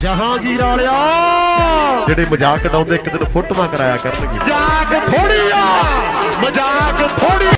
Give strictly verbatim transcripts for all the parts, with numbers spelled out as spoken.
ਜਹਾਂਗੀਰ ਵਾਲਿਆ ਜਿਹੜੇ ਮਜ਼ਾਕ ਉਡਾਉਂਦੇ ਇੱਕ ਦਿਨ ਫੋਟੋਆਂ ਕਰਾਇਆ ਕਰਨਗੇ। ਮਜ਼ਾਕ ਥੋੜੀ ਆ, ਮਜ਼ਾਕ ਥੋੜੀ।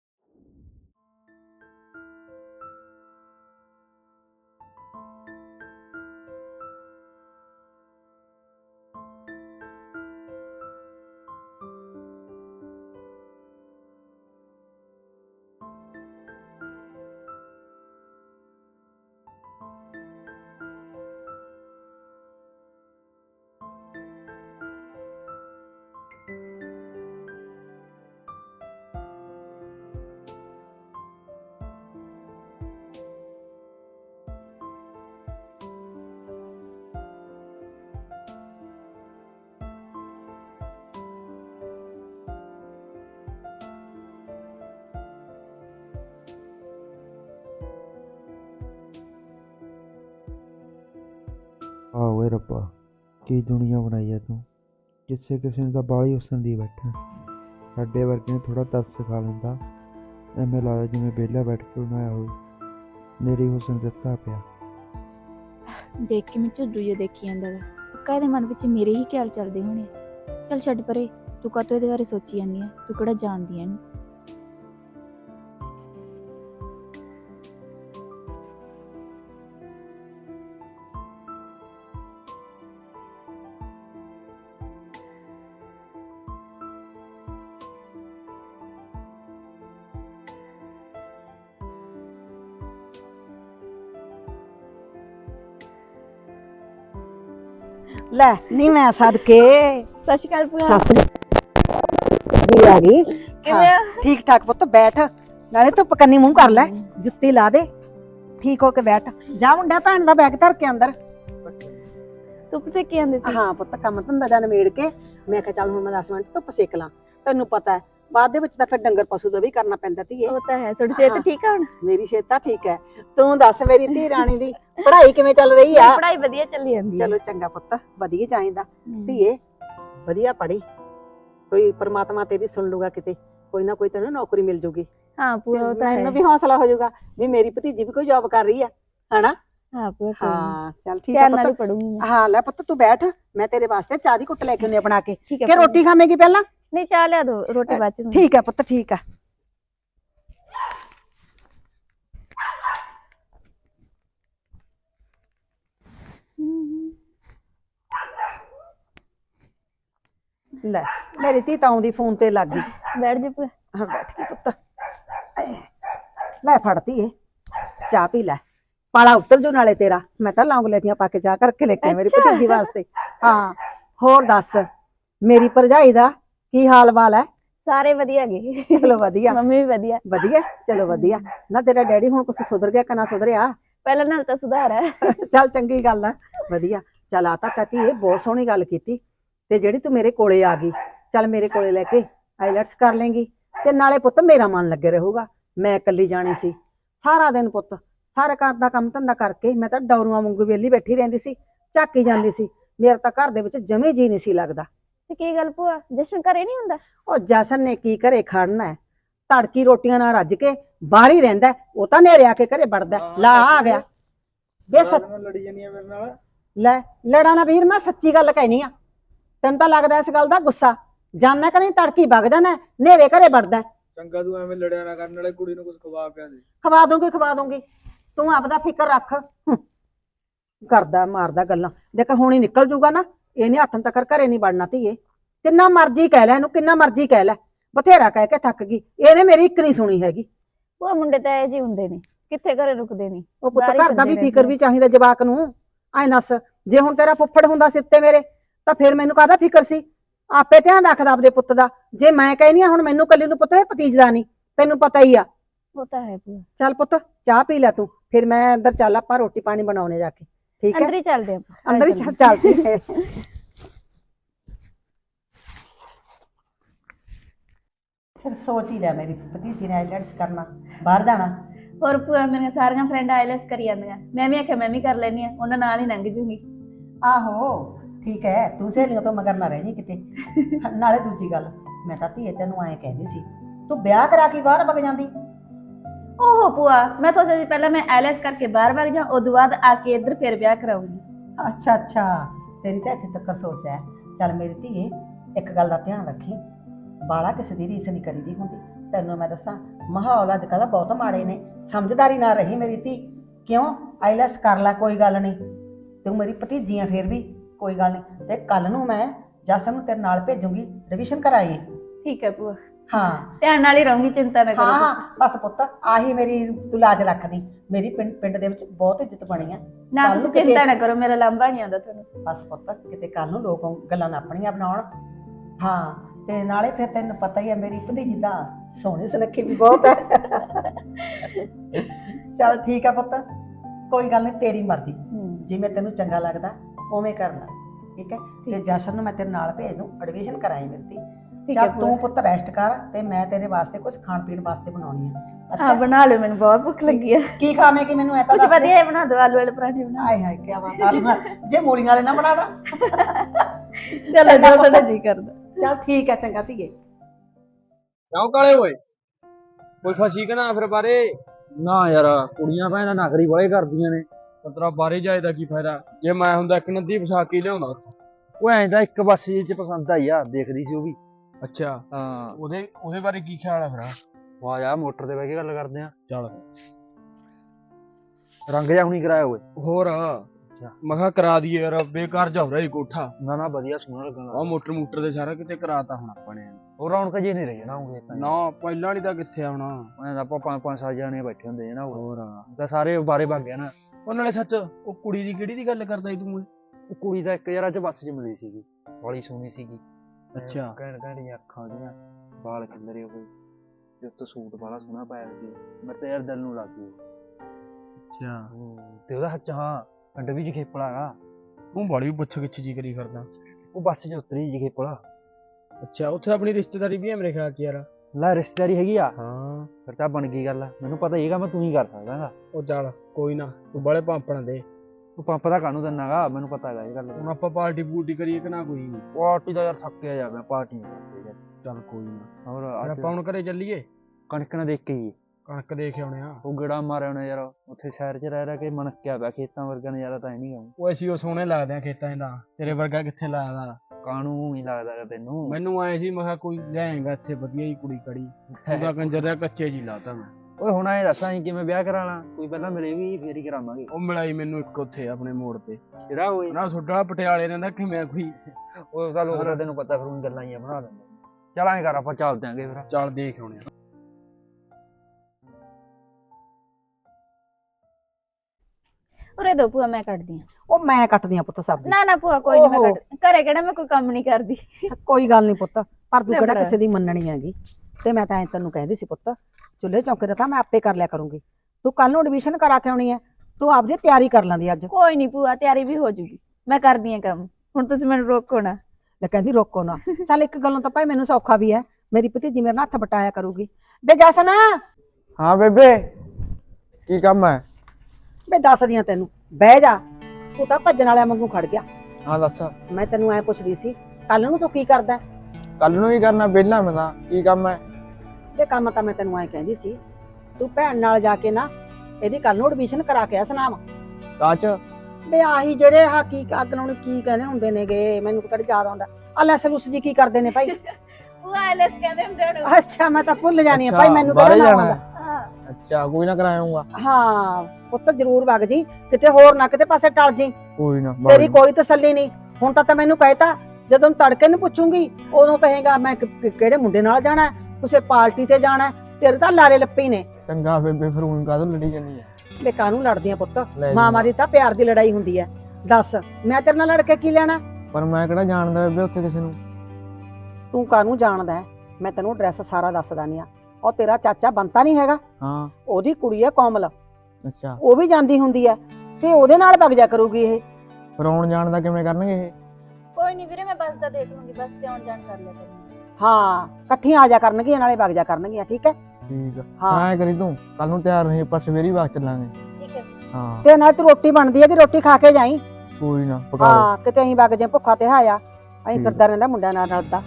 ਆ ਓਏ ਰੱਬਾ, ਕੀ ਦੁਨੀਆ ਬਣਾਈ ਆ ਤੂੰ। ਕਿਸੇ ਕਿਸੇ ਨੂੰ ਤਾਂ ਬਾਹਲੀ ਹੁਸਨ ਦੀ ਬੈਠਾ। ਸਾਡੇ ਵਰਗੇ ਨੂੰ ਥੋੜਾ ਤਰਸ ਸਿਖਾ ਲੈਂਦਾ। ਐਵੇਂ ਲੱਗਦਾ ਜਿਵੇਂ ਵਿਹਲਾ ਬੈਠ ਕੇ ਬਣਾਇਆ ਹੋਵੇ। ਮੇਰੀ ਹੁਸਨ ਦਿੱਤਾ ਪਿਆ। ਦੇਖ ਕੇ ਮੈਂ ਝੁੱਡੂ ਜਿਹਾ ਦੇਖੀ ਜਾਂਦਾ ਗਾ। ਪੱਕਾ ਇਹਦੇ ਮਨ ਵਿੱਚ ਮੇਰੇ ਹੀ ਖਿਆਲ ਚੱਲਦੇ ਹੋਣੇ। ਚੱਲ ਛੱਡ ਪਰੇ, ਤੂੰ ਕਾਹਤੋਂ ਇਹਦੇ ਬਾਰੇ ਸੋਚੀ ਜਾਂਦੀ ਆ? ਤੂੰ ਕਿਹੜਾ ਜਾਣਦੀ ਆ ਇਹਨੂੰ? ਲੈ ਨੀ ਮੈਂ ਸਦਕੇ ਸਤਿ ਸ਼੍ਰੀ ਅਕਾਲ ਭੂਆ। ਸੱਸ ਦੀ ਆ ਗਈ। ਕਿਵੇਂ ਆ? ਠੀਕ ਠਾਕ ਪੁੱਤ, ਬੈਠ। ਨਾਲੇ ਧੁੱਪ ਕੰਨੀ ਮੂੰਹ ਕਰ ਲੈ, ਜੁੱਤੀ ਲਾ ਦੇ, ਠੀਕ ਹੋ ਕੇ ਬੈਠ। ਜਾ ਮੁੰਡਾ ਭੈਣ ਦਾ ਬੈਗ ਧਰ ਕੇ ਅੰਦਰ। ਧੁੱਪ ਸੇਕ ਕੇ ਆਂਦੇ ਸੀ? ਹਾਂ ਪੁੱਤ, ਕੰਮ ਧੰਦਾ ਦਾ ਨਿਬੇੜ ਕੇ ਮੈਂ ਕਿਹਾ ਚੱਲ ਹੁਣ ਮੈਂ ਦਸ ਮਿੰਟ ਧੁੱਪ ਸੇਕ ਲਾਂ। ਤੈਨੂੰ ਪਤਾ ਹੈ ਬਾਅਦ ਦੇ ਵਿੱਚ ਤਾਂ ਫਿਰ ਡੰਗਰ ਪਸ਼ੂ ਦਾ ਵੀ ਕਰਨਾ ਪੈਂਦਾ ਧੀਏ। ਉਹ ਤਾਂ ਹੈ। ਤੁਹਾਡੀ ਸਿਹਤ ਠੀਕ ਆ ਹੁਣ? ਮੇਰੀ ਸਿਹਤ ਤਾਂ ਠੀਕ ਹੈ। ਤੂੰ ਦੱਸ ਮੇਰੀ ਧੀ ਰਾਣੀ ਦੀ ਪੜ੍ਹਾਈ ਕਿਵੇਂ ਚੱਲ ਰਹੀ ਆ? ਪੜ੍ਹਾਈ ਵਧੀਆ ਚੱਲੀ ਜਾਂਦੀ ਹੈ। ਚਲੋ ਚੰਗਾ ਪੁੱਤ, ਵਧੀਆ ਚਾਹੀਦਾ। ਧੀਏ ਵਧੀਆ ਪੜ੍ਹੀ, ਕੋਈ ਪ੍ਰਮਾਤਮਾ ਤੇਰੀ ਸੁਣ ਲੂਗਾ, ਕਿਤੇ ਕੋਈ ਨਾ ਕੋਈ ਤੈਨੂੰ ਨੌਕਰੀ ਮਿਲ ਜੂਗੀ। ਹਾਂ ਭੂਆ, ਉਹ ਤਾਂ ਹੈ। ਮੈਨੂੰ ਵੀ ਹੌਸਲਾ ਹੋ ਜਾਊਗਾ ਵੀ ਮੇਰੀ ਭਤੀਜੀ ਵੀ ਕੋਈ ਜੌਬ ਕਰ ਰਹੀ ਆ, ਹਨਾ? ਹਾਂ ਭੂਆ, ਹਾਂ ਚੱਲ ਠੀਕ ਹੈ ਧਿਆਨ ਨਾਲ ਹੀ ਪੁੱਤ। ਪੜੂੰਗੀ। ਹਾਂ ਲੈ ਪੁੱਤ ਤੂੰ ਬੈਠ, ਮੈਂ ਤੇਰੇ ਵਾਸਤੇ ਚਾਹ ਦੀ ਘੁੱਟ ਲੈ ਕੇ ਆਉਂਦੀ ਆ ਬਣਾ ਕੇ। ਠੀਕ ਹੈ ਕਿ ਰੋਟੀ ਖਾਵੇਂਗੀ ਪਹਿਲਾਂ? ਨਹੀਂ, ਚਾਹ ਲਿਆ ਦੋ, ਰੋਟੀ ਬਾਅਦ ਚ। ਠੀਕ ਹੈ ਪੁੱਤ, ਠੀਕ ਆ। ਲੈ ਮੇਰੀ ਧੀ ਤਾਂ ਆਉਂਦੀ ਫੋਨ ਤੇ ਲੱਗ ਗਈ। ਬੈਠ ਜਾ ਭੂਆ। ਹਾਂ ਬੈਠ ਗਈ ਪੁੱਤ। ਲੈ ਫੜਤੀ ਏ, ਚਾਹ ਪੀ ਲੈ, ਪਾਲਾ ਉੱਤਰ ਜੋ ਨਾਲੇ ਤੇਰਾ। ਮੈਂ ਤਾਂ ਲੌਂਗ ਲੈਤੀਆਂ ਪਾ ਕੇ ਚਾਹ ਕਰਕੇ ਲੈ ਕੇ ਮੇਰੀ ਭਤੀਜੀ ਵਾਸਤੇ। ਹਾਂ ਹੋਰ ਦੱਸ, ਮੇਰੀ ਭਰਜਾਈ ਦਾ ਕੀ ਹਾਲ ਵਾਲ ਹੈ? ਸਾਰੇ ਵਧੀਆ ਗਏ। ਚਲੋ ਵਧੀਆ। ਮੰਮੀ ਵੀ ਵਧੀਆ। ਵਧੀਆ, ਚਲੋ ਵਧੀਆ। ਨਾ ਤੇਰਾ ਡੈਡੀ ਹੁਣ ਕੁਛ ਸੁਧਰ ਗਿਆ ਕਿ ਨਾ ਸੁਧਰਿਆ? ਪਹਿਲਾਂ ਨਾਲ ਤਾਂ ਸੁਧਾਰ ਹੈ। ਚੱਲ ਚੰਗੀ ਗੱਲ ਹੈ, ਵਧੀਆ। ਚੱਲ ਆ ਤਾਂ ਕਹਤੀ ਇਹ ਬਹੁਤ ਸੋਹਣੀ ਗੱਲ ਕੀਤੀ। ਤੇ ਜਿਹੜੀ ਤੂੰ ਮੇਰੇ ਕੋਲੇ ਆ ਗਈ, ਚੱਲ ਮੇਰੇ ਕੋਲੇ ਲੈ ਕੇ ਆਈਲੈਟਸ ਕਰ ਲੇਂਗੀ ਤੇ ਨਾਲੇ ਪੁੱਤ ਮੇਰਾ ਮਨ ਲੱਗੇ ਰਹੂਗਾ। ਮੈਂ ਇਕੱਲੀ ਜਾਣੀ ਸੀ ਸਾਰਾ ਦਿਨ ਪੁੱਤ, ਸਾਰੇ ਘਰ ਦਾ ਕੰਮ ਧੰਦਾ ਕਰਕੇ ਮੈਂ ਤਾਂ ਡੌਰੂਆਂ ਵਾਂਗੂ ਵਿਹਲੀ ਬੈਠੀ ਰਹਿੰਦੀ ਸੀ, ਝਾਕੀ ਜਾਂਦੀ ਸੀ। ਮੇਰਾ ਤਾਂ ਘਰ ਦੇ ਵਿੱਚ ਜਮੇ ਜੀ ਨਹੀਂ ਸੀ ਲੱਗਦਾ। ਤੇ ਕੀ ਗੱਲ ਭੂਆ, ਜਸ਼ਨ ਘਰੇ ਨਹੀਂ ਹੁੰਦਾ? ਉਹ ਜਸਨ ਨੇ ਕੀ ਘਰੇ ਖੜਨਾ ਹੈ? ਤੜਕੀ ਰੋਟੀਆਂ ਨਾਲ ਰੱਜ ਕੇ ਬਾਹਰ ਹੀ ਰਹਿੰਦਾ। ਉਹ ਤਾਂ ਨੇਰੇ ਆ ਕੇ ਘਰੇ ਵੜਦਾ। ਲਾ ਆ ਗਿਆ ਲੜੀ ਜਾਨੀ ਮੇਰੇ ਨਾਲ। ਲੈ ਲੜਾ ਨਾ ਵੀਰ, ਮੈਂ ਸੱਚੀ ਗੱਲ ਕਹਿਨੀ ਆ। ਤੈਨੂੰ ਤਾਂ ਲੱਗਦਾ ਇਸ ਗੱਲ ਦਾ ਗੁੱਸਾ। ਜਾਨਾ ਕਿ ਨਹੀਂ, ਤੜਕੀ ਵਗ ਜਾਣਾ, ਨੇਰੇ ਘਰੇ ਵੜਦਾ। ਚੰਗਾ ਤੂੰ ਐਵੇਂ ਲੜਿਆ ਨਾ ਕਰਨ, ਵਾਲੇ ਕੁੜੀ ਨੂੰ ਕੁਝ ਖਵਾ ਪਿਆ ਦੇ। ਖਵਾ ਦੂੰਗੀ ਖਵਾ ਦੂੰਗੀ, ਤੂੰ ਆਪਦਾ ਫਿਕਰ ਰੱਖ। ਹੂੰ, ਕਰਦਾ ਮਾਰਦਾ ਗੱਲਾਂ। ਦੇਖ ਹੁਣ ਹੀ ਨਿਕਲ ਜੂਗਾ ਨਾ, ਇਹਨੇ ਹੱਥਾਂ ਤੱਕ ਘਰੇ ਨਹੀਂ ਵੜਨਾ ਧੀਏ। ਕਿੰਨਾ ਮਰਜ਼ੀ ਕਹਿ ਲੈ ਇਹਨੂੰ, ਕਿੰਨਾ ਮਰਜ਼ੀ ਕਹਿ ਲੈ, ਬਥੇਰਾ ਕਹਿ ਕੇ ਥੱਕ ਗਈ। ਇਹਨੇ ਮੇਰੀ ਇੱਕ ਨਹੀਂ ਸੁਣੀ ਹੈਗੀ। ਭੂਆ ਮੁੰਡੇ ਤਾਂ ਇਹ ਜਿਹੇ ਹੁੰਦੇ ਨੇ, ਕਿੱਥੇ ਘਰੇ ਰੁਕਦੇ ਨਹੀਂ। ਉਹ ਪੁੱਤ ਘਰ ਦਾ ਵੀ ਫਿਕਰ ਵੀ ਚਾਹੀਦਾ ਜਵਾਕ ਨੂੰ। ਐ ਦੱਸ, ਜੇ ਹੁਣ ਤੇਰਾ ਫੁੱਫੜ ਹੁੰਦਾ ਸਿਰ ਤੇ ਮੇਰੇ, ਤਾਂ ਫਿਰ ਮੈਨੂੰ ਕਾਹਦਾ ਫਿਕਰ ਸੀ? ਆਪੇ ਧਿਆਨ ਰੱਖਦਾ ਆਪਣੇ ਪੁੱਤ ਦਾ। ਜੇ ਮੈਂ ਕਹਿਨੀ ਆ ਹੁਣ ਮੈਨੂੰ ਕੱਲੀ ਨੂੰ ਪੁੱਤ ਇਹ ਭਤੀਜਦਾ ਨਹੀਂ, ਤੈਨੂੰ ਪਤਾ ਹੀ ਆ। ਉਹ ਤਾਂ ਹੈ ਭੂਆ। ਚੱਲ ਪੁੱਤ ਚਾਹ ਪੀ ਲੈ ਤੂੰ, ਫਿਰ ਮੈਂ ਅੰਦਰ ਚੱਲ, ਆਪਾਂ ਰੋਟੀ ਪਾਣੀ ਬਣਾਉਣੇ ਜਾ ਕੇ। ਠੀਕ ਹੈ, ਅੰਦਰ ਹੀ ਚੱਲਦੇ ਆਪਾਂ। ਅੰਦਰ ਹੀ ਚੱਲ ਚੱਲਦੇ। ਫਿਰ ਸੋਚ ਹੀ ਲਿਆ ਮੇਰੀ ਭਤੀਜੀ ਨੇ ਆਈਲੈਟਸ ਕਰਨਾ, ਬਾਹਰ ਜਾਣਾ। ਹੋਰ ਭੂਆ, ਮੇਰੀਆਂ ਸਾਰੀਆਂ ਫਰੈਂਡ ਆਈਲੈਸ ਕਰੀ ਜਾਂਦੀਆਂ। ਮੈਂ ਵੀ ਆਖਿਆ ਮੈਂ ਵੀ ਕਰ ਲੈਣੀ ਆ, ਉਹਨਾਂ ਨਾਲ ਹੀ ਲੰਘ ਜੂਗੀ। ਆਹੋ ਠੀਕ ਹੈ, ਤੂੰ ਸਹੇਲੀਆਂ ਤੋਂ ਮਗਰ ਨਾ ਰਹਿ ਜੀ ਕਿਤੇ। ਨਾਲੇ ਦੂਜੀ ਗੱਲ, ਮੈਂ ਤਾਂ ਧੀਏ ਤੈਨੂੰ ਐਂ ਕਹਿੰਦੀ ਸੀ, ਤੂੰ ਵਿਆਹ ਕਰਾ ਕੇ ਬਾਹਰ ਵਗ ਜਾਂਦੀ। ਓਹੋ ਭੂਆ, ਮੈਂ ਸੋਚਿਆ ਸੀ ਪਹਿਲਾਂ ਮੈਂ ਆਈਲੈਸ ਕਰਕੇ ਬਾਹਰ ਵਗ ਜਾ, ਉਦੋਂ ਬਾਅਦ ਆ ਕੇ ਇੱਧਰ ਫਿਰ ਵਿਆਹ ਕਰਾਉਂਗੀ। ਅੱਛਾ ਅੱਛਾ, ਤੇਰੀ ਤਾਂ ਇੱਥੇ ਤੱਕ ਸੋਚ ਹੈ। ਚੱਲ ਮੇਰੀ ਧੀਏ, ਇੱਕ ਗੱਲ ਦਾ ਧਿਆਨ ਰੱਖੀ, ਬਾਲਾ ਕਿਸੇ ਦੀ ਰੀਸ ਨਹੀਂ ਕਰੀਦੀ ਹੁੰਦੀ। ਤੈਨੂੰ ਮੈਂ ਦੱਸਾਂ, ਮਾਹੌਲ ਅੱਜ ਕੱਲ੍ਹ ਬਹੁਤ ਮਾੜੇ ਨੇ, ਸਮਝਦਾਰੀ ਨਾਲ ਰਹੀ ਮੇਰੀ ਧੀ। ਕਿਉਂ, ਆਈਲੈਸ ਕਰ ਲੈ, ਕੋਈ ਗੱਲ ਨਹੀਂ, ਤੂੰ ਮੇਰੀ ਭਤੀਜੀ ਆ ਫੇਰ ਵੀ, ਕੋਈ ਗੱਲ ਨਹੀਂ। ਤੇ ਕੱਲ ਨੂੰ ਮੈਂ ਜਸਨ ਨੂੰ ਤੇਰੇ ਨਾਲ ਭੇਜੂੰਗੀ, ਰਿਵੀਜ਼ਨ ਕਰਾਈ। ਠੀਕ ਹੈ ਭੂਆ, ਹਾਂ ਧਿਆਨ ਨਾਲ ਹੀ ਰਹੂੰਗੀ, ਚਿੰਤਾ ਨਾ ਕਰੋ ਹਾਂ ਤੁਸੀਂ। ਹਾਂ, ਬਸ ਪੁੱਤ ਆਹੀ ਮੇਰੀ ਤੂੰ ਲਾਜ ਰੱਖਦੀ। ਮੇਰੀ ਪਿੰਡ ਪਿੰਡ ਦੇ ਵਿੱਚ ਬਹੁਤ ਇੱਜ਼ਤ ਬਣੀ ਆ। ਨਾ ਕੱਲ੍ਹ ਤੁਸੀਂ ਨੂੰ ਕਿਤੇ- ਚਿੰਤਾ ਨਾ ਕਰੋ, ਮੇਰਾ ਲਾਂਭਾ ਨਹੀਂ ਆਉਂਦਾ ਤੁਹਾਨੂੰ। ਬਸ ਪੁੱਤ, ਕਿਤੇ ਕੱਲ ਨੂੰ ਲੋਕ ਗੱਲਾਂ ਨਾ ਆਪਣੀਆਂ ਬਣਾਉਣ। ਹਾਂ, ਤੇ ਨਾਲੇ ਫਿਰ ਤੈਨੂੰ ਪਤਾ ਹੀ ਹੈ ਮੇਰੀ ਭਤੀਜੀ ਦਾ ਸੋਹਣੀ ਸੁਨੱਖੀ ਵੀ ਬਹੁਤ ਹੈ। ਚਲ ਠੀਕ ਹੈ ਪੁੱਤ, ਕੋਈ ਗੱਲ ਨਹੀਂ, ਤੇਰੀ ਮਰਜ਼ੀ, ਜਿਵੇਂ ਤੈਨੂੰ ਚੰਗਾ ਲੱਗਦਾ ਉਵੇਂ ਕਰ ਲੈ, ਠੀਕ ਹੈ। ਤੇ ਜਸ਼ਨ ਨੂੰ ਮੈਂ ਤੇਰੇ ਨਾਲ ਭੇਜ ਦੂੰ, ਐਡਮਿਸ਼ਨ ਕਰਾਈ ਮੇਰੀ। ਠੀਕ ਹੈ ਚੱਲ ਤੂੰ ਪੁੱਤ ਰੈਸਟ ਕਰ, ਤੇ ਮੈਂ ਤੇਰੇ ਵਾਸਤੇ ਕੁਝ ਖਾਣ ਪੀਣ ਵਾਸਤੇ ਬਣਾਉਣੀ ਆ। ਹਾਂ ਬਣਾ ਲਓ, ਮੈਨੂੰ ਬਹੁਤ ਭੁੱਖ ਲੱਗੀ ਹੈ। ਕੀ ਖਾਵੇਂਗੀ ਮੈਨੂੰ ਐ ਤਾਂ ਕੁਝ ਦੱਸ ਦੇ। ਵਧੀਆ ਬਣਾ ਦਿਓ, ਆਲੂ ਵਾਲੇ ਪਰਾਂਠੇ ਬਣਾ ਆਏ ਹਾਏ, ਕੀ ਬਾਤ ਆ, ਆਲੂ ਜੇ ਮੂਲੀਆਂ ਵਾਲੇ ਨਾ ਬਣਾ ਦਾਂ। ਚਲੋ ਜੋ ਤੁਹਾਡਾ ਜੀ ਕਰਦਾ। ਚੱਲ ਠੀਕ ਹੈ, ਚੰਗਾ ਧੀਏ। ਕਿਉਂ ਕਾਲੇ ਓਏ, ਕੋਈ ਫਸੀ ਕਿ ਨਾ ਫਿਰ ਬਾਰੇ? ਨਾ ਯਾਰ, ਕੁੜੀਆਂ ਭੈਣਾਂ ਨਖਰੀ ਵਾਲੇ ਕਰਦੀਆਂ ਨੇ। ਤੇਰਾ ਬਾਰੇ ਜਾਏ ਦਾ ਕੀ ਫਾਇਦਾ, ਜੇ ਮੈਂ ਹੁੰਦਾ ਇੱਕ ਨਦੀ ਫਸਾ ਕੇ ਲਿਆਉਂਦਾ ਉੱਥੇ। ਉਹ ਐਂ ਤਾਂ ਇੱਕ ਬੱਸ ਚ ਪਸੰਦ ਆਈ ਆ, ਦੇਖਦੀ ਸੀ ਉਹ ਵੀ। ਅੱਛਾ, ਹਾਂ, ਉਹਦੇ ਉਹਦੇ ਬਾਰੇ ਕੀ ਖਿਆਲ ਆ ਫਿਰ? ਵਾਹ ਯਾਰ, ਮੋਟਰ ਤੇ ਬਹਿ ਕੇ ਗੱਲ ਕਰਦੇ ਆ। ਚੱਲ ਰੰਗ ਜਾ ਹੁਣੀ ਕਰਾਇਆ ਓਏ। ਹੋਰ ਮੈਂ ਕਿਹਾ ਕਰਾ ਦਈਏ ਯਾਰ, ਬੇਕਾਰ ਜਾ ਹੋ ਰਿਹਾ ਕੋਠਾ। ਨਾ ਨਾ, ਵਧੀਆ ਸੋਹਣਾ ਲੱਗਣ ਆ ਮੋਟਰ ਮੋਟਰ ਦੇ ਸਾਰਾ ਕਿਤੇ ਕਰਾਤਾ ਹੁਣ ਆਪਾਂ ਨੇ। ਉਹ ਰੌਣਕ ਜੇ ਨਹੀਂ ਰਹੀ ਨਾ ਉਹ ਤਾਂ। ਨਾ ਪਹਿਲਾਂ ਵਾਲੀ ਤਾਂ ਕਿੱਥੇ ਆਉਣਾ। ਉਹਨਾਂ ਦਾ ਆਪਾਂ ਪੰਜ ਪੰਜ ਸੱਤ ਜਾਣੇ ਬੈਠੇ ਹੁੰਦੇ ਨਾ, ਹੋਰ ਤਾਂ ਸਾਰੇ ਬਾਰੇ ਭੱਗ ਗਏ ਨਾ। ਉਹ ਨਾਲੇ ਸੱਚ, ਉਹ ਕੁੜੀ ਦੀ ਕਿਹੜੀ ਦੀ ਗੱਲ ਕਰਦਾ ਸੀ ਤੂੰ? ਉਹ ਕੁੜੀ ਤਾਂ ਇੱਕ ਯਾਰ ਅੱਜ ਬੱਸ ਚ ਮਿਲੀ ਸੀਗੀ, ਬੜੀ ਸੋਹਣੀ ਸੀਗੀ। ਅੱਛਾ। ਕਹਿਣ ਕਹਿਣੀਆਂ ਅੱਖਾਂ ਉਹਦੀਆਂ, ਵਾਲ ਖਿਲਰੇ ਹੋਏ, ਤੇ ਉੱਤੋਂ ਸੂਟ ਵਾਲਾ ਸੋਹਣਾ ਪਾਇਆ ਸੀ। ਮੇਰੇ ਤਾਂ ਯਾਰ ਦਿਲ ਨੂੰ ਲੱਗ ਗਈ। ਅੱਛਾ, ਤੇ ਉਹਦਾ ਹੱਥ ਹਾਂ ਪਿੰਡ ਵੀ ਜਖੇਪਲਾ ਹੈਗਾ। ਤੂੰ ਬੜੀ ਪੁੱਛ ਗਿੱਛ ਜੀ ਕਰੀ ਫਿਰਦਾ। ਉਹ ਬੱਸ ਚ ਉਤਰੀ ਜਖੇਪਲਾ। ਅੱਛਾ, ਉੱਥੇ ਆਪਣੀ ਰਿਸ਼ਤੇਦਾਰੀ ਵੀ ਹੈ ਮੇਰੇ ਖਿਆਲ ਚ ਯਾਰ। ਲੈ ਰਿਸ਼ਤੇਦਾਰੀ ਹੈਗੀ ਆ, ਹਾਂ, ਫਿਰ ਤਾਂ ਬਣ ਗਈ ਗੱਲ। ਮੈਨੂੰ ਪਤਾ ਹੀਗਾ ਮੈਂ ਤੂੰ ਹੀ ਕਰ ਸਕਦਾਗਾ। ਉਹ ਚੱਲ ਕੋਈ ਨਾ, ਤੂੰ ਬਾਲੇ ਪੰਪਣਾ ਦੇ। ਤੂੰ ਪੰਪ ਦਾ ਕਾਹਨੂੰ ਦਿੰਨਾਗਾ, ਮੈਨੂੰ ਪਤਾ ਹੈਗਾ ਇਹ ਗੱਲ। ਹੁਣ ਆਪਾਂ ਪਾਰਟੀ ਪੂਰਟੀ ਕਰੀਏ ਕਿ ਨਾ ਕੋਈ? ਪਾਰਟੀ ਦਾ ਯਾਰ ਥੱਕਿਆ ਜਾ, ਮੈਂ ਪਾਰਟੀ ਨਹੀਂ ਕਰਦੀ ਯਾਰ। ਚੱਲ ਕੋਈ ਨਾ, ਹੋਰ ਫਿਰ ਆਪਾਂ ਹੁਣ ਘਰੇ ਚੱਲੀਏ, ਕਣਕ ਨਾ ਦੇਖ ਕੇ ਹੀ ਕਣਕ ਦੇਖ ਆਉਣੇ ਆ। ਉਹ ਗੇੜਾ ਮਾਰਿਆ ਹੋਣਾ ਯਾਰ, ਉੱਥੇ ਸ਼ਹਿਰ 'ਚ ਰਹਿ ਰਹਿ ਕੇ ਮਣਕਿਆ ਪਿਆ, ਖੇਤਾਂ ਵਰਗਾ ਨਜ਼ਾਰਾ ਤਾਂ ਹੈ ਨਹੀਂ ਗਾ। ਉਹ ਅਸੀਂ ਉਹ ਸੋਹਣੇ ਲੱਗਦੇ ਆ ਖੇਤਾਂ 'ਚ ਤਾਂ, ਤੇਰੇ ਵਰਗਾ ਕਿੱਥੇ ਲੱਗਦਾ। ਕਾਹਨੂੰ ਨਹੀਂ ਲੱਗਦਾ ਤੈਨੂੰ? ਮੈਨੂੰ ਆਏ ਸੀ, ਮੈਂ ਕਿਹਾ ਕੋਈ ਲਿਆਏਗਾ ਇੱਥੇ ਵਧੀਆ ਜੀ ਕੁੜੀ ਕੜੀ, ਉਹਦਾ ਕੰਜਰ ਦਾ ਕੱਚੇ ਜੀ ਲਾਤਾ ਮੈਂ। ਓਏ ਹੁਣ ਐ ਦੱਸਾਂ ਅਸੀਂ ਕਿਵੇਂ ਵਿਆਹ ਕਰਾਣਾ? ਕੋਈ ਪਹਿਲਾਂ ਮਿਲੇ ਵੀ ਫੇਰ ਹੀ ਕਰਾਵਾਂਗੇ। ਉਹ ਮਿਲਾਈ ਮੈਨੂੰ ਇੱਕ ਉੱਥੇ ਆਪਣੇ ਮੋੜ ਤੇ, ਜਿਹੜਾ ਓਏ ਨਾ ਸੁੱਡਾ ਪਟਿਆਲੇ ਰਹਿੰਦਾ ਕਿਵੇਂ ਕੋਈ। ਉਹ ਤਾਂ ਲੋਕ ਤਾਂ ਤੈਨੂੰ ਪਤਾ ਫਿਰ ਉਹ ਗੱਲਾਂ ਹੀ ਬਣਾ ਲੈਂਦੇ। ਚੱਲ ਐਂ ਕਰ ਆਪਾਂ ਚੱਲ ਦਿਆਂਗੇ ਫਿਰ। ਚੱਲ ਦੇਖ ਆਉਣੇ ਆ। ਉਰੇ ਦੋ ਭੂਆ, ਮੈਂ ਕੱਢਦੀ ਆ। ਉਹ ਮੈਂ ਕੱਟਦੀ ਆ ਪੁੱਤ ਸਬਜ਼ੀ। ਨਾ ਨਾ ਭੂਆ, ਕੋਈ ਨਹੀਂ, ਮੈਂ ਓਹੋ। ਕੱਢ ਘਰੇ ਕਿਹੜਾ ਮੈਂ ਕੋਈ ਕੰਮ ਨਹੀਂ ਕਰਦੀ। ਕੋਈ ਗੱਲ ਨਹੀਂ ਪੁੱਤ, ਪਰ ਤੂੰ ਲੈ ਕਿਹੜਾ ਭਰਾ। ਕਿਸੇ ਦੀ ਮੰਨਣੀ ਹੈਗੀ। ਤੇ ਮੈਂ ਤਾਂ ਐ ਤੈਨੂੰ ਕਹਿੰਦੀ ਸੀ ਪੁੱਤ, ਚੁੱਲ੍ਹੇ ਚੌਂਕੇ ਦਾ ਤਾਂ ਮੈਂ ਆਪੇ ਕਰ ਲਿਆ ਕਰੂੰਗੀ। ਤੂੰ ਕੱਲ ਨੂੰ ਐਡਮਿਸ਼ਨ ਕਰਾ ਕੇ ਆਉਣੀ ਹੈ, ਤੂੰ ਆਪਦੀ ਤਿਆਰੀ ਕਰ ਲੈਂਦੀ ਅੱਜ। ਕੋਈ ਨਹੀਂ ਭੂਆ, ਤਿਆਰੀ ਵੀ ਹੋ ਜੂਗੀ, ਮੈਂ ਕਰਦੀ ਆ ਕੰਮ। ਹੁਣ ਤੁਸੀਂ ਮੈਨੂੰ ਰੋਕੋ ਨਾ। ਲੈ ਕਹਿੰਦੀ ਰੋਕੋ ਨਾ। ਚੱਲ ਇੱਕ ਗੱਲੋਂ ਤਾਂ ਭਾਈ ਮੈਨੂੰ ਸੌਖਾ ਵੀ ਹੈ, ਮੇਰੀ ਭਤੀਜੀ ਮੇਰੇ ਨਾਲ ਹੱਥ ਬਟਾਇਆ ਕਰੂਗੀ। ਬੇ ਜਸਨ, ਹਾਂ ਬੇਬੇ, ਕੀ ਕੰਮ ਹੈ? ਬੇ ਦੱਸਦੀ ਆ ਤੈਨੂੰ, ਬਹਿ ਜਾ। ਤੂੰ ਤਾਂ ਭੱਜਣ ਵਾਲਿਆਂ ਵਾਂਗੂ ਖੜ ਗਿਆ। ਹਾਂ ਦੱਸ। ਮੈਂ ਤੈਨੂੰ ਐ ਪੁੱਛਦੀ ਸੀ, ਕੱਲ ਨੂੰ ਤੂੰ ਕੀ ਕਰਦਾ? ਕੱਲ ਨੂੰ ਹੀ ਕਰਨਾ, ਵਿਹਲਾ ਮੈਂ ਤਾਂ। ਕੀ ਕੰਮ ਹੈ? ਇਹ ਕੰਮ ਤਾਂ ਮੈਂ ਤੈਨੂੰ ਐ ਕਹਿੰਦੀ ਸੀ, ਤੂੰ ਭੈਣ ਨਾਲ ਜਾ ਕੇ ਨਾ ਇਹਦੀ ਕੱਲ ਨੂੰ ਐਡਮਿਸ਼ਨ ਕਰਾ ਕੇ ਆ ਸੁਨਾਮ। ਕਾਚ ਬੇ ਆਹੀ ਜਿਹੜੇ ਆਹ ਕੀ ਅੱਗ ਲਾਉਣੀ ਕੀ ਕਹਿੰਦੇ ਹੁੰਦੇ ਨੇਗੇ, ਮੈਨੂੰ ਤਾਂ ਕਿਹੜਾ ਯਾਦ ਆਉਂਦਾ। ਆ ਲੈਸ ਲੁਸ ਜੀ ਕੀ ਕਰਦੇ ਨੇ ਭਾਈ? ਭੂਆ ਆਈਲੈਸ ਕਹਿੰਦੇ ਹੁੰਦੇ ਉਹਨੂੰ। ਅੱਛਾ, ਮੈਂ ਤਾਂ ਭੁੱਲ ਜਾਣੀ ਆ ਭਾਈ, ਮੈਨੂੰ ਕਿਹੜਾ ਬਾਹਰ ਨਾਮ ਜਾਣਾ ਆਉਂਦਾ। ਹਾਂ ਅੱਛਾ, ਕੋਈ ਨਾ ਕਰਾਉਂਗਾ। ਹਾਂ ਪੁੱਤ ਜ਼ਰੂਰ ਵਗ ਜੀ, ਕਿਤੇ ਹੋਰ ਨਾ ਕਿਤੇ ਪਾਸੇ ਟਲ ਜੀ। ਕੋਈ ਨਾ, ਤੇਰੀ ਕੋਈ ਤਸੱਲੀ ਨਹੀਂ। ਹੁਣ ਤਾਂ ਤਾਂ ਮੈਨੂੰ ਕਹਿਤਾ, ਜਦੋਂ ਤੜਕੇ ਨੂੰ ਪੁੱਛੂੰਗੀ ਉਦੋਂ ਕਹੇਗਾ ਮੈਂ ਕਿ- ਕਿ- ਕਿਹੜੇ ਮੁੰਡੇ ਨਾਲ ਜਾਣਾ, ਕਿਸੇ ਪਾਰਟੀ ਤੇ ਜਾਣਾ। ਤੇਰੇ ਤਾਂ ਲਾਰੇ ਲੱਪੇ ਨੇ। ਚੰਗਾ ਬੇਬੇ, ਫਿਰ ਹੁਣ ਕਾਹਦੋਂ ਲੜੀ ਜਾਂਦੀ ਹੈ? ਬੇ ਕਾਹਨੂੰ ਲੜਦੀਆਂ ਪੁੱਤ, ਲੈ ਜੀ। ਮਾਂ ਦੀ ਤਾਂ ਪਿਆਰ ਦੀ ਲੜਾਈ ਹੁੰਦੀ ਹੈ। ਦੱਸ ਮੈਂ ਤੇਰੇ ਨਾਲ ਲੜ ਕੇ ਕੀ ਲੈਣਾ? ਪਰ ਮੈਂ ਕਿਹੜਾ ਜਾਣਦਾ ਬੇਬੇ ਉੱਥੇ ਕਿਸੇ ਨੂੰ। ਤੂੰ ਕਾਹਨੂੰ ਜਾਣਦਾ ਹੈ? ਮੈਂ ਤੈਨੂੰ ਐਡਰੈਸ ਸਾਰਾ ਦੱਸ ਦਾਨੀ ਆ। ਉਹ ਤੇਰਾ ਚਾਚਾ ਬੰਤਾ ਨਹੀਂ ਹੈਗਾ, ਹਾਂ ਉਹਦੀ ਕੁੜੀ ਹੈ ਕੋਮਲ, ਅੱਛਾ, ਉਹ ਵੀ ਜਾਂਦੀ ਹੁੰਦੀ ਹੈ, ਤੇ ਉਹਦੇ ਨਾਲ ਵਗ ਜਾ ਕਰੂਗੀ ਇਹ। ਫਿਰ ਆਉਣ ਜਾਣ ਦਾ ਕਿਵੇਂ ਕਰਨਗੇ ਇਹ? ਕੋਈ ਨਹੀਂ ਵੀਰੇ, ਮੈਂ ਬੱਸ ਦਾ ਦੇਖ ਲੂੰਗੀ, ਬੱਸ ਤੇ ਆਉਣ ਜਾਣ ਕਰ ਲਿਆ ਕਰਾਂਗੀ। ਹਾਂ ਇਕੱਠੀਆਂ ਆ ਜਾ ਕਰਨਗੀਆਂ, ਨਾਲੇ ਵਗ ਜਾ ਕਰਨਗੀਆਂ, ਠੀਕ ਹੈ? ਠੀਕ ਆ। ਹਾਂ ਐਂ ਕਰੀ ਤੂੰ, ਕੱਲ ਨੂੰ ਤਿਆਰ ਰਹੀ, ਆਪਾਂ ਸਵੇਰੀ ਬਾਅਦ ਚੱਲਾਂਗੇ। ਠੀਕ ਹੈ। ਹਾਂ ਤੇ ਨਾਲ ਤੂੰ ਰੋਟੀ ਬਣਦੀ ਹੈ ਕਿ ਰੋਟੀ ਖਾ ਕੇ ਜਾਈ। ਕੋਈ ਨਾ, ਪਕਾ ਲਓ। ਹਾਂ ਕਿਤੇ ਅਸੀਂ ਵਗ ਜੇ ਭੁੱਖਾ ਤੇ ਹਾਇਆ, ਅਸੀਂ ਠੀਕ। ਫਿਰਦਾ ਰਹਿੰਦਾ ਮੁੰਡਿਆਂ ਨਾਲ ਰਲਦਾ।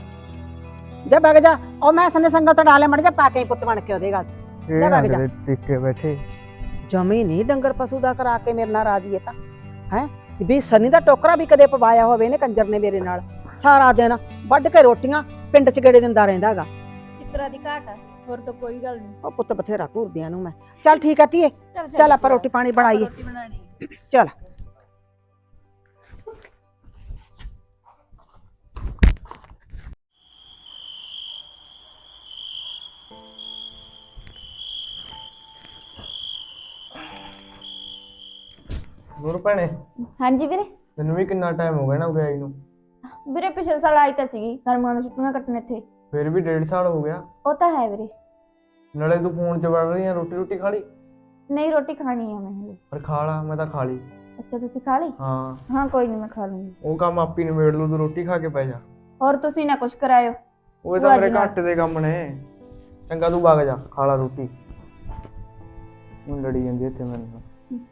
ਜਾ ਵਗ ਜਾ, ਉਹ ਮੈਂ ਸੰਨੇ ਸੰਗਲ ਤੋਂ ਡਾਲੇ ਮੜ ਜਾ ਪਾ ਕੇ ਪੁੱਤ ਬਣ ਕੇ ਉਹਦੇ ਗੱਲ ਚ। ਇਹ ਜਾ ਨਾ ਵਗ ਜਾ। ਕਿਤੇ ਟਿੱਕੇ ਬੈਠੇ। ਜਮੀ ਨਹੀਂ ਡੰਗਰ ਪਸ਼ੂ ਦਾ ਕਰਾ ਕੇ ਮੇਰੇ ਨਾਲ ਰਾਜੀ ਹੈ ਤਾਂ ਹੈ। ਵੀ ਸਨੀ ਦਾ ਟੋਕਰਾ ਵੀ ਕਦੇ ਪਵਾਇਆ ਹੋਵੇ ਇਹਨੇ ਕੰਜਰ ਨੇ ਮੇਰੇ ਨਾਲ। ਸਾਰਾ ਦਿਨ ਵੱਢ ਕੇ ਰੋਟੀਆਂ ਪਿੰਡ 'ਚ ਗੇੜੇ ਦਿੰਦਾ ਰਹਿੰਦਾ ਹੈਗਾ। ਕਿਤਰਾ ਦੀ ਘਾਟ ਆ, ਹੋਰ ਤਾਂ ਕੋਈ ਗੱਲ ਨਹੀਂ। ਉਹ ਪੁੱਤ ਬਥੇਰਾ ਘੂਰਦਿਆਂ ਨੂੰ ਮੈਂ। ਚੱਲ ਠੀਕ ਆ ਧੀਏ, ਚੱਲ ਆਪਾਂ ਰੋਟੀ ਪਾਣੀ ਬਣਾਈਏ। ਰੋਟੀ ਬਣਾਣੀ ਚੱਲ। ਨੂਰ ਭੈਣੇ, ਹਾਂਜੀ ਵੀਰੇ। ਤੈਨੂੰ ਵੀ ਕਿੰਨਾ ਟਾਈਮ ਹੋ ਗਿਆ ਨਾ ਗਈ ਨੂੰ? ਵੀਰੇ ਪਿਛਲੇ ਸਾਲ ਆਈ ਤਾਂ ਸੀਗੀ ਗਰਮਾਂ ਨੂੰ ਛੁੱਟੀਆਂ ਕੱਟਣ ਇੱਥੇ। ਫਿਰ ਵੀ ਡੇਢ ਸਾਲ ਹੋ ਗਿਆ। ਉਹ ਤਾਂ ਹੈ ਵੀਰੇ। ਨਾਲੇ ਤੂੰ ਫੋਨ 'ਚ ਵੜ ਰਹੀ ਆ, ਰੋਟੀ ਰੋਟੀ ਖਾ ਲਈ? ਨਹੀਂ ਰੋਟੀ ਖਾਣੀ ਆ ਮੈਂ ਹਲੇ। ਪਰ ਖਾ ਲਾ, ਮੈਂ ਤਾਂ ਖਾ ਲਈ। ਅੱਛਾ ਤੁਸੀਂ ਖਾ ਲਈ? ਹਾਂ ਹਾਂ ਕੋਈ ਨਹੀਂ ਮੈਂ ਖਾ ਲੂੰਗੀ। ਉਹ ਕੰਮ ਆਪੀ ਨਿਬੇੜ ਲੂ, ਤੂੰ ਰੋਟੀ ਖਾ ਕੇ ਪੈ ਜਾ। ਹੋਰ ਤੁਸੀਂ ਨਾ ਕੁਛ ਕਰਾਇਓ। ਉਹ ਤਾਂ ਮੇਰੇ ਘੱਟ ਦੇ ਕੰਮ ਨੇ। ਚੰਗਾ ਤੂੰ ਵਗ ਜਾ, ਖਾ ਲਾ ਰੋਟੀ। ਹੁਣ ਲੜੀ ਜਾਂਦੀ ਇੱਥੇ ਮੇਰੇ ਨਾਲ।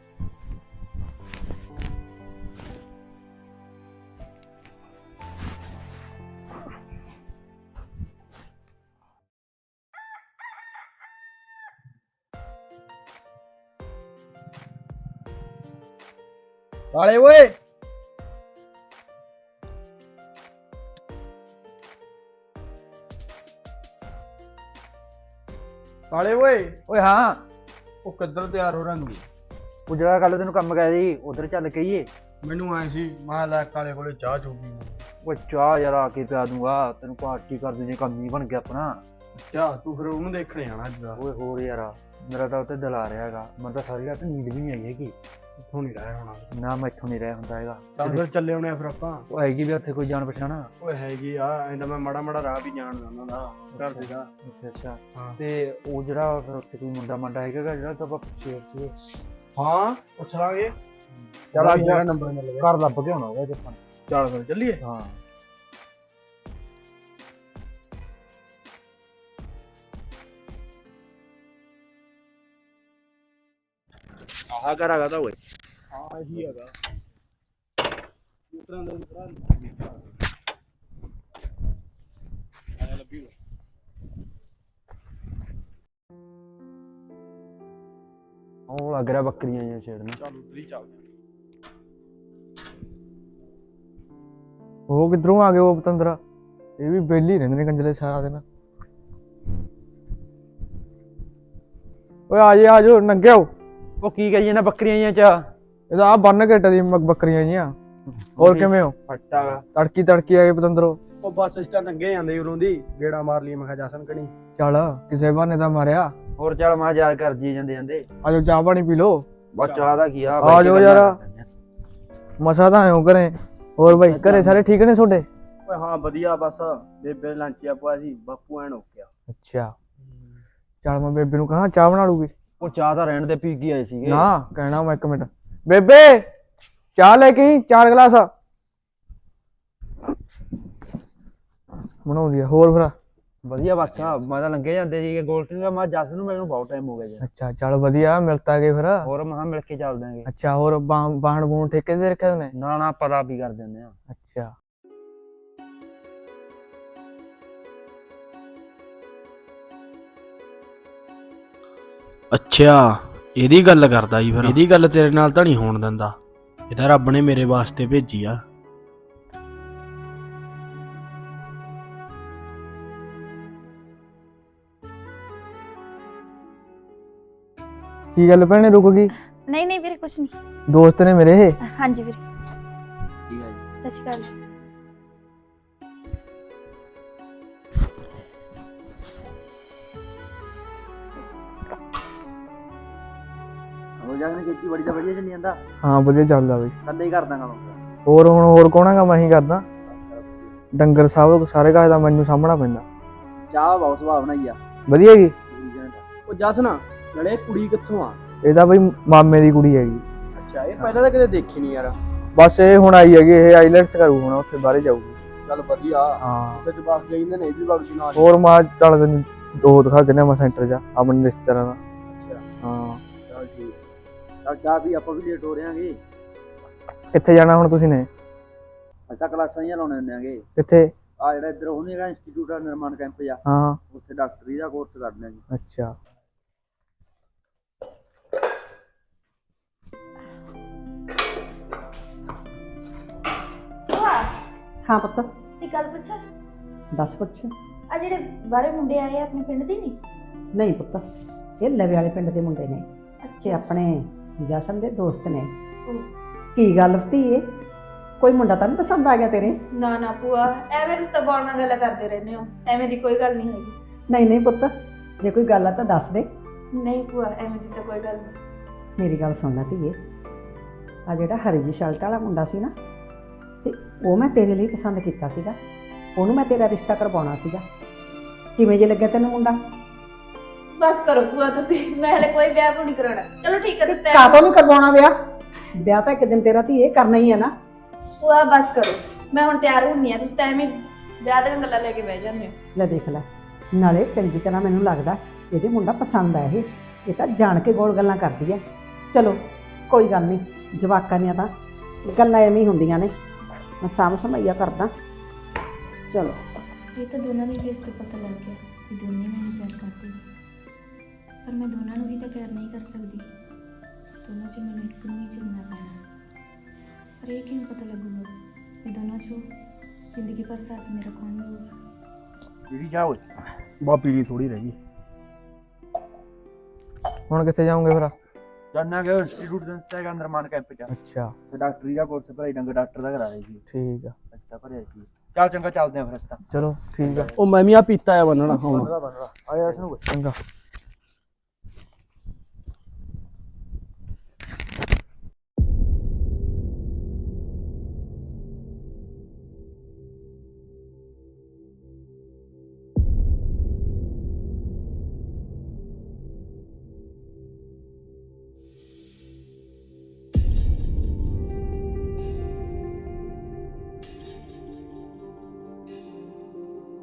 ਕਾਲੇ ਓਏ, ਕਾਲੇ ਓਏ। ਓਏ ਹਾਂ, ਉਹ ਕਿੱਧਰ ਤਿਆਰ ਹੋ ਰੰਗੀ? ਉਹ ਜਿਹੜਾ ਕੱਲ ਤੈਨੂੰ ਕੰਮ ਕਰਿਆ ਸੀ ਉਧਰ ਚੱਲ ਕਹੀਏ। ਮੈਨੂੰ ਆਏ ਸੀ ਮੈਂ ਲੈ ਕਾਲੇ ਕੋਲੇ ਚਾਹ ਚੂਪੀ। ਓਏ ਚਾਹ ਯਾਰ ਆ ਕੇ ਪਿਆ ਦੂੰਗਾ ਤੈਨੂੰ, ਪਾਰਟੀ ਕਰ ਦੂੰਗੇ, ਕੰਮ ਹੀ ਬਣ ਗਿਆ ਆਪਣਾ। ਅੱਛਾ ਤੂੰ ਫਿਰ ਉਹਨੂੰ ਦੇਖਣ ਜਾਣਾ ਅੱਜ ਦਾ? ਓਏ ਹੋਰ ਯਾਰ, ਮੇਰਾ ਤਾਂ ਉੱਤੇ ਦਿਲ ਆ ਰਿਹਾ ਹੈਗਾ। ਮੈਨੂੰ ਤਾਂ ਸਾਰੀ ਰਾਤ ਨੀਂਦ ਵੀ ਨਹੀਂ ਆਈ ਹੈਗੀ। ਇੱਥੋਂ ਨਹੀਂ ਰਹਿ ਹੋਣਾ। ਨਾ ਮੈਂ ਇੱਥੋਂ ਨਹੀਂ ਰਹਿ ਹੁੰਦਾ ਹੈਗਾ। ਚੱਲ ਫਿਰ ਚੱਲੇ ਆਉਣੇ ਆ ਫਿਰ ਆਪਾਂ। ਉਹ ਹੈਗੀ ਵੀ ਉੱਥੇ ਕੋਈ ਜਾਣ ਪਛਾਣਾ? ਓਏ ਹੈਗੀ ਆ, ਐਂਦਾ ਮੈਂ ਮਾੜਾ ਮਾੜਾ ਰਾਹ ਵੀ ਜਾਣਦਾ ਉਹਨਾਂ ਦਾ ਘਰ ਦੇ ਦਾ। ਅੱਛਾ ਅੱਛਾ। ਹਾਂ। ਤੇ ਉਹ ਜਿਹੜਾ ਫਿਰ ਉੱਥੇ ਕੋਈ ਮੁੰਡਾ ਮੰਡਾ ਹੈਗਾ ਗਾ ਜਿਹੜਾ ਤਾਂ ਆਪਾਂ ਪੁੱਛੇ ਸੀ। ਹਾਂ ਪੁੱਛ ਲਾਂਗੇ। ਚੱਲ ਅੱਜ ਜਿਹੜਾ ਨੰਬਰ ਮਿਲ ਗਿਆ ਘਰ ਲੱਭ ਕੇ ਆਉਣਾ ਉਹਦੇ ਆਪਾਂ। ਚੱਲ ਫਿਰ ਚੱਲੀਏ। ਹਾਂ ਆਹ ਘਰ ਹੈਗਾ ਤਾਂ ਓਏ। ਹਾਂ ਇਹੀ ਹੈਗਾ। ਉਤਰਾਂ ਦੇ ਉਤਰਾਂ ਆ ਲੱਭੀ। ਉਹ ਲੱਗ ਰਿਹਾ ਬੱਕਰੀਆਂ ਜਾਂ ਛੇੜਨ। ਚੱਲ ਉਧਰ ਹੀ ਚੱਲਦੇ। ਉਹ ਕਿੱਧਰੋਂ ਆ ਗਏ ਉਹ ਪਤੰਦਰਾ? ਇਹ ਵੀ ਬੇਲੀ ਰਹਿੰਦੇ ਨੇ ਕੰਜਲੇ ਸਾਰਾ ਦਿਨ। ਓਏ ਆ ਜੇ ਆ ਜੋ ਨੰਗੇ ਆਓ। ਉਹ ਕੀ ਕਹੀ ਜਾਂਦਾ ਬੱਕਰੀਆਂ ਚ? ਇਹਦਾ ਆ ਬੰਨ ਕੇ ਟਦੀ ਬੱਕਰੀਆਂ ਜੀਆਂ। ਹੋਰ ਕਿਵੇਂ ਹੋ? ਫੱਟਾ ਤੜਕੀ ਤੜਕੀ ਆ ਗਏ ਪਤੰਦਰੋ। ਉਹ ਬੱਸ ਸਟੈਂਡ ਲੰਘੇ ਜਾਂਦੇ ਉਰੋਂ ਦੀ, ਗੇੜਾ ਮਾਰ ਲਈ। ਮੈਂ ਕਿਹਾ ਜਸਨ ਕਣੀ ਚੱਲ ਕਿਸੇ ਬਹਾਨੇ ਤਾਂ ਮਾਰਿਆ। ਹੋਰ ਚੱਲ ਮੈਂ ਯਾਦ ਕਰ ਜੀ ਜਾਂਦੇ ਜਾਂਦੇ। ਆਜੋ ਚਾਹ ਪਾਣੀ ਪੀ ਲੋ। ਬਸ ਚਾਹ ਦਾ ਕੀ ਆ, ਆ ਜਾਓ ਯਾਰ। ਮਸਾ ਤਾਂ ਆਇਓ ਘਰੇ। ਹੋਰ ਬਾਈ ਘਰੇ ਸਾਰੇ ਠੀਕ ਨੇ ਤੁਹਾਡੇ? ਓਏ ਹਾਂ ਵਧੀਆ, ਬਸ ਬੇਬੇ ਲੰਚਿਆ ਪਾਇਆ ਸੀ, ਬਾਪੂ ਐਨ ਓਕਿਆ। ਅੱਛਾ ਚੱਲ ਮੈਂ ਬੇਬੇ ਨੂੰ ਕਹਾਂ ਚਾਹ ਬਣਾ ਲੂਗੀ। ਉਹ ਚਾਹ ਤਾਂ ਰਹਿਣ ਦੇ, ਪੀ ਕੇ ਆਏ ਸੀਗੇ। ਨਾ ਕਹਿਣਾ ਮੈਂ ਇੱਕ ਮਿੰਟ। ਬੇਬੇ ਚਾਹ ਲੈ ਕੇ ਚਾਰ ਗਲਾਸ ਬਣਾਉਂਦੀ ਆ। ਹੋਰ ਫਿਰ ਵਧੀਆ? ਬਸ ਮੈਂ ਤਾਂ ਲੰਘੇ ਜਾਂਦੇ ਸੀਗੇ ਗੋਲਟੀ ਦਾ। ਮੈਂ ਜੱਸ ਨੂੰ ਮੈਨੂੰ ਬਹੁਤ ਟਾਈਮ ਹੋ ਗਿਆ ਜੀ। ਅੱਛਾ ਚੱਲ ਵਧੀਆ, ਮਿਲਤਾ ਗਏ ਫਿਰ। ਹੋਰ ਮੈਂ ਮਿਲ ਕੇ ਚੱਲ ਦਾਂਗੇ। ਅੱਛਾ ਹੋਰ ਬਾਹਣ ਬੂਣ ਠੇਕੇ ਤੇ ਰੱਖੇ ਨੇ? ਨਾ ਨਾ ਪਤਾ ਵੀ ਕਰ ਦਿੰਦੇ ਆ। ਅੱਛਾ ਅੱਛਾ ਇਹਦੀ ਗੱਲ ਕਰਦਾ ਜੀ? ਫਿਰ ਇਹਦੀ ਗੱਲ ਤੇਰੇ ਨਾਲ ਤਾਂ ਨਹੀਂ ਹੋਣ ਦਿੰਦਾ। ਇਹ ਤਾਂ ਰੱਬ ਨੇ ਮੇਰੇ ਵਾਸਤੇ ਭੇਜੀ ਆ। ਕੀ ਗੱਲ ਭੈਣੇ ਰੁਕ ਗਈ? ਨਹੀਂ ਨਹੀਂ ਵੀਰੇ ਕੁਛ ਨਹੀਂ। ਦੋਸਤ ਨੇ ਮੇਰੇ ਇਹ? ਹਾਂਜੀ ਵੀਰੇ। ਠੀਕ ਹੈ ਜੀ। ਸਤਿ ਸ਼੍ਰੀ ਅਕਾਲ ਜੀ। ਹੋ ਜਾਣਾ ਖੇਤੀ ਬੜੀ ਤਾਂ ਵਧੀਆ ਚੱਲੀ ਜਾਂਦਾ? ਹਾਂ ਵਧੀਆ ਚੱਲਦਾ ਬਈ। ਕੱਲੇ ਹੀ ਕਰਦਾ ਕੰਮ? ਹੋਰ ਹੁਣ ਹੋਰ ਕੌਣ ਹੈਗਾ? ਮੈਂ ਹੀ ਕਰਦਾ। ਡੰਗਰ ਸਾਹਿਬ ਸਾਰੇ ਘਰ ਦਾ ਮੈਨੂੰ ਸਾਹਮਣਾ ਪੈਂਦਾ। ਚਾਹ ਬਹੁਤ ਸੁਭਾਅ ਬਣਾਈ ਆ। ਵਧੀਆ ਜੀ। ਉਹ ਜਸ ਨਾ ਲੜੇ ਕੁੜੀ ਕਿੱਥੋਂ ਆ? ਇਹਦਾ ਬਈ ਮਾਮੇ ਦੀ ਕੁੜੀ ਹੈਗੀ। ਅੱਛਾ ਇਹ ਪਹਿਲਾਂ ਤਾਂ ਕਦੇ ਦੇਖੀ ਨਹੀਂ ਯਾਰ। ਬਸ ਇਹ ਹੁਣ ਆਈ ਹੈਗੀ, ਇਹ ਆਈਲੈਟਸ ਕਰੂ ਹੁਣ, ਉੱਥੇ ਬਾਹਰੇ ਜਾਊਗੀ। ਚੱਲ ਵਧੀਆ। ਹਾਂ ਉੱਥੇ ਜਵਾਕ ਜਾਈਂਦੇ ਨੇ, ਇਹ ਵੀ ਬਖਸ਼ ਨਾਲ। ਹੋਰ ਮਾ ਚੱਲ ਤੈਨੂੰ ਦੋ ਦਿਖਾ ਦਿੰਦੇ ਮੈਂ ਸੈਂਟਰ ਜਾ ਆਪਣੇ ਰਿਸ਼ਤੇਦਾਰਾਂ ਦਾ। ਅੱਛਾ ਹਾਂ ਚੱਲ ਠੀਕ। ਚੱਲ ਚਾਹ ਵੀ ਆਪਾਂ ਵੀ ਲੇਟ ਹੋ ਰਹੇ ਆਂਗੇ। ਕਿੱਥੇ ਜਾਣਾ ਹੁਣ ਤੁਸੀਂ ਨੇ? ਅੱਛਾ ਕਲਾਸਾਂ ਹੀ ਲਾਉਣੇ ਹੁੰਦੇ ਆਂਗੇ। ਕਿੱਥੇ? ਆ ਜਿਹੜਾ ਇੱਧਰ ਉਹ ਨੀ ਹੈਗਾ ਇੰਸਟੀਚਿਊਟ ਆ ਨਿਰਮਾਣ ਕੈਂਪ ਜਾ, ਹਾਂ ਉੱਥੇ ਡਾਕਟਰੀ ਦਾ ਕੋਰਸ ਕਰਦੇ ਆਂਗੇ। ਅੱਛਾ ਹਾਂ ਪੁੱਤ ਇਹ ਗੱਲ ਪੁੱਛਾਂ ਦੱਸ ਪੁੱਛ। ਆ ਜਿਹੜੇ ਬਾਹਰੇ ਮੁੰਡੇ ਆਏ ਆ ਆਪਣੇ ਪਿੰਡ ਦੇ ਨਹੀਂ? ਨਹੀਂ ਪੁੱਤ, ਇਹ ਲਵੇ ਵਾਲੇ ਪਿੰਡ ਦੇ ਮੁੰਡੇ ਨੇ ਤੇ ਆਪਣੇ ਜਸ਼ਨ ਦੇ ਦੋਸਤ ਨੇ। ਕੀ ਗੱਲ ਧੀਏ, ਕੋਈ ਮੁੰਡਾ ਤਾਂ ਨਹੀਂ ਪਸੰਦ ਆ ਗਿਆ ਤੇਰੇ? ਨਾ ਨਾ ਭੂਆ, ਐਵੇਂ ਰਿਸ਼ਤਾ ਬਾਣ ਨਾਲ ਗੱਲਾਂ ਕਰਦੇ ਰਹਿੰਦੇ ਹੋ, ਐਵੇਂ ਦੀ ਕੋਈ ਗੱਲ ਨਹੀਂ ਹੈਗੀ। ਨਹੀਂ ਨਹੀਂ ਪੁੱਤ, ਜੇ ਕੋਈ ਗੱਲ ਆ ਤਾਂ ਦੱਸ ਦੇ। ਨਹੀਂ ਭੂਆ, ਐਵੇਂ ਦੀ ਤਾਂ ਕੋਈ ਗੱਲ ਨਹੀਂ। ਮੇਰੀ ਗੱਲ ਸੁਣ ਲੈ ਧੀਏ, ਆ ਜਿਹੜਾ ਹਰੀ ਜੀ ਸ਼ਰਟ ਵਾਲਾ ਮੁੰਡਾ ਸੀ ਨਾ, ਤੇ ਉਹ ਮੈਂ ਤੇਰੇ ਲਈ ਪਸੰਦ ਕੀਤਾ ਸੀਗਾ। ਉਹਨੂੰ ਮੈਂ ਤੇਰਾ ਰਿਸ਼ਤਾ ਕਰਵਾਉਣਾ ਸੀਗਾ। ਕਿਵੇਂ ਜੇ ਲੱਗਿਆ ਤੈਨੂੰ ਮੁੰਡਾ? ਬਸ ਕਰੋ ਭੂਆ ਤੁਸੀਂ, ਮੈਂ ਹਲੇ ਕੋਈ ਵਿਆਹ ਨਹੀਂ ਕਰਾਉਣਾ। ਚਲੋ ਠੀਕ ਹੈ ਤੁਸੀਂ ਤੈਅ ਕਾਹਤੋਂ ਨਹੀਂ ਕਰਵਾਉਣਾ ਵਿਆਹ? ਵਿਆਹ ਤਾਂ ਇੱਕ ਦਿਨ ਤੇਰਾ ਧੀਏ ਕਰਨਾ ਹੀ ਹੈ ਨਾ। ਭੂਆ ਬਸ ਕਰੋ, ਮੈਂ ਹੁਣ ਤਿਆਰ ਹੁੰਨੀ ਆ, ਤੁਸੀਂ ਤਾਂ ਐਵੇਂ ਵਿਆਹ ਦੀਆਂ ਗੱਲਾਂ ਲੈ ਕੇ ਬਹਿ ਜਾਂਦੇ ਹੋ। ਲੈ ਦੇਖ ਲੈ, ਨਾਲੇ ਚੰਗੀ ਤਰ੍ਹਾਂ ਮੈਨੂੰ ਲੱਗਦਾ ਇਹਦੇ ਮੁੰਡਾ ਪਸੰਦ ਆ। ਇਹ ਇਹ ਤਾਂ ਜਾਣ ਕੇ ਗੋਲ ਗੱਲਾਂ ਕਰਦੀ ਹੈ। ਚਲੋ ਕੋਈ ਗੱਲ ਨਹੀਂ, ਜਵਾਕਾਂ ਦੀਆਂ ਤਾਂ ਗੱਲਾਂ ਐਵੇਂ ਹੀ ਹੁੰਦੀਆਂ ਨੇ। ਮੈਂ ਸਾਂਭ ਸਮਈਆ ਕਰਦਾ। ਚਲੋ ਇਹ ਤਾਂ ਦੋਨਾਂ ਦੀ ਫੇਸ ਤੋਂ ਪਤਾ ਲੱਗ ਗਿਆ ਕਿ ਦੋਨੇ ਮੈਨੂੰ ਪਿਆਰ ਕਰਦੇ ਨੇ, ਪਰ ਮੈਂ ਦੋਨਾਂ ਨੂੰ ਵੀ ਤਾਂ ਪਿਆਰ ਨਹੀਂ ਕਰ ਸਕਦੀ। ਦੋਨਾਂ 'ਚ ਮੈਨੂੰ ਇੱਕ ਨੂੰ ਹੀ ਚੁਣਨਾ ਪੈਣਾ। ਪਰ ਇਹ ਕਿਵੇਂ ਪਤਾ ਲੱਗੂਗਾ ਕਿ ਦੋਨਾਂ 'ਚੋਂ ਜ਼ਿੰਦਗੀ ਭਰ ਸਾਥ ਮੇਰਾ ਕੌਣ ਦੇਊਗਾ? ਜਿਹੜੀ ਜਾ ਓਏ ਬਾਪੀ ਦੀ ਥੋੜੀ ਰਹਿ ਗਈ। ਹੁਣ ਕਿੱਥੇ ਜਾਓਗੇ ਫਿਰ? ਜਾਣਾ ਕਿ ਇੰਸਟੀਚਿਊਟ ਦੇ ਇੰਸਟਾਗ੍ਰਾਮ ਨਿਰਮਾਣ ਕੈਂਪ ਚ। ਅੱਛਾ, ਤੇ ਡਾਕਟਰੀ ਦਾ ਕੋਰਸ ਭਰਾਈ ਡੰਗ ਡਾਕਟਰ ਦਾ ਕਰਾ ਰਹੀ ਸੀ। ਠੀਕ ਆ, ਅੱਛਾ ਭਰਿਆ ਸੀ। ਚੱਲ ਚੰਗਾ, ਚੱਲਦੇ ਆ ਫਿਰ ਅਸੀਂ ਤਾਂ। ਚਲੋ ਠੀਕ ਆ। ਉਹ ਮੈਂ ਵੀ ਆ ਪੀਤਾ ਆ ਬੰਨਣਾ ਹੁਣ। ਬੰਨਦਾ ਬੰਨਦਾ ਆ ਜਾ ਇਸ ਨੂੰ ਚੰਗਾ।